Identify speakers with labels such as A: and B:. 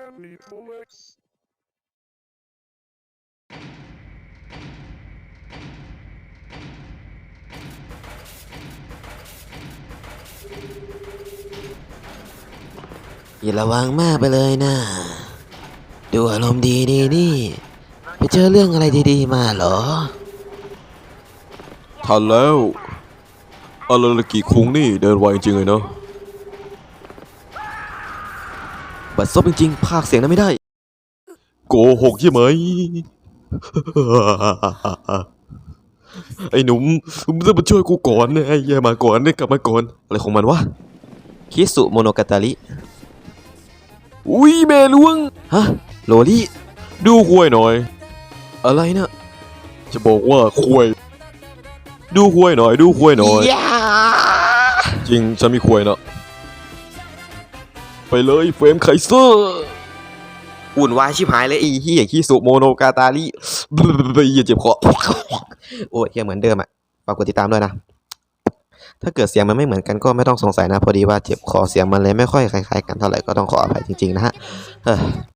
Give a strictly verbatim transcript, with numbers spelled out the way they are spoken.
A: อย่าระวังมากไปเลยนะดูอารมณ์ดีดีนี่ไปเจอเรื่องอะไรดีๆมาเหรอ
B: ทันแล้วอาราลกิคุงนี่เดินไวจริงเลยเนาะ
A: บัดซบจริงๆภาคเสียงนั้นไม่ได้
B: โกหกใช่ไหม ไอ้หนุ่มมึงต้องมาช่วยกูก่อนนะไอ้แย่มาก่อนเนี่ยกลับมาก่อนอะไรของมันวะ
A: คิสุโมโนกาตาริ
B: อุ้ยแม่ล้วง
A: ฮะโรลี่
B: ดูควยหน่อย
A: อะไรนะ
B: จะบอกว่าควยดูควยหน่อยดูควยหน่อย
A: ยา
B: จริงฉันมีควยนะไปเลยเฟรมไคเซอร์
A: อุ่นวายชิบหายเลยไอ้เหี้ยคิสุโมโนกาตาริ
B: อย่าเจ็บคอ
A: โอ้ยยังเหมือนเดิมอ่ะฝากกดติดตามด้วยนะถ้าเกิดเสียงมันไม่เหมือนกันก็ไม่ต้องสงสัยนะพอดีว่าเจ็บคอเสียงมันเลยไม่ค่อยคล้ายๆกันเท่าไหร่ก็ต้องขออภัยจริงๆนะฮะ